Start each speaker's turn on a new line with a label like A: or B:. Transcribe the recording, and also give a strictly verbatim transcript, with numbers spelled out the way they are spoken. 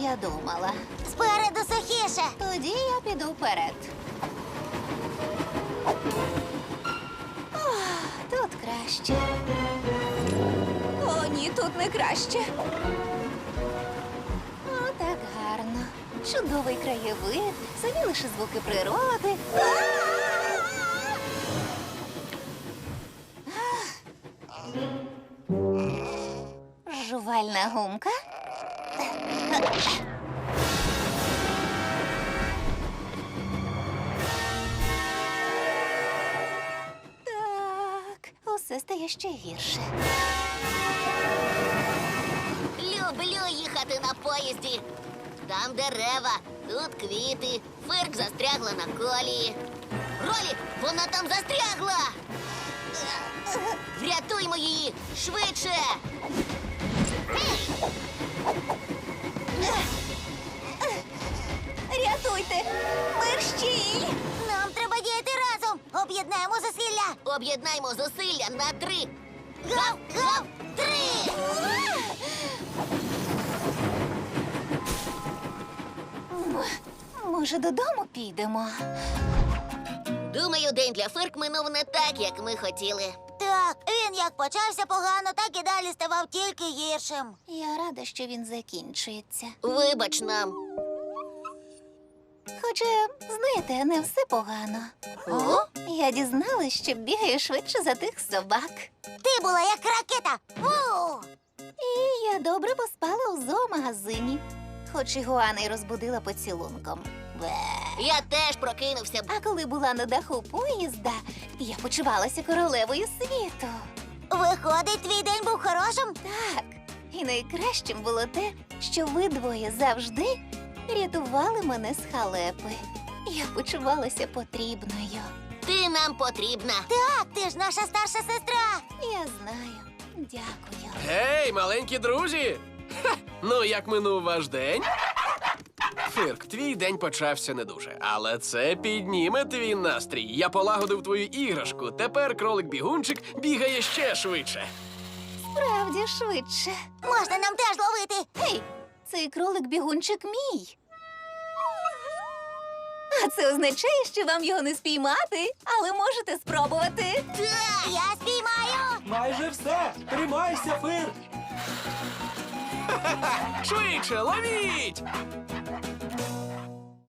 A: я думала.
B: Спереду сухіше.
A: Тоді я піду вперед. Ох, тут краще. О, ні, тут не краще. О, так гарно. Чудовий краєвид, самі лише звуки природи. Жувальна гумка. Так, усе стає ще гірше.
B: Люблю їхати на поїзді. Там дерева, тут квіти. Фирк застрягла на колії. Ролі, вона там застрягла! Врятуймо її! Швидше!
A: Рятуйте! Мерщій!
B: Нам треба діяти разом! Об'єднаємо зусилля! Об'єднаємо зусилля на три! Гав! Гав! Три!
A: Може, додому підемо?
B: Думаю, день для Фирк минув не так, як ми хотіли. Так, він як почався погано, так і далі ставав тільки гіршим.
A: Я рада, що він закінчується.
B: Вибач нам.
A: Хоча, знаєте, не все погано.
B: О?
A: Я дізналась, що бігаю швидше за тих собак.
B: Ти була як ракета. Ву!
A: І я добре поспала у зоомагазині. Хоч і Гуана й розбудила поцілунком. Бе.
B: Я теж прокинувся.
A: А коли була на даху поїзда, я почувалася королевою світу.
B: Виходить, твій день був хорошим?
A: Так, і найкращим було те, що ви двоє завжди рятували мене з халепи. Я почувалася потрібною.
B: Ти нам потрібна. Так, ти ж наша старша сестра.
A: Я знаю. Дякую.
C: Гей, маленькі друзі! Ха! Ну, як минув ваш день? Фирк, твій день почався не дуже, але це підніме твій настрій. Я полагодив твою іграшку. Тепер кролик-бігунчик бігає ще швидше.
A: Справді швидше.
B: Можна нам теж ловити.
A: Гей, цей кролик-бігунчик мій. А це означає, що вам його не спіймати, але можете спробувати.
B: Так, я спіймаю.
D: Майже все! Тримайся, Фир!
C: Швидше, ловіть!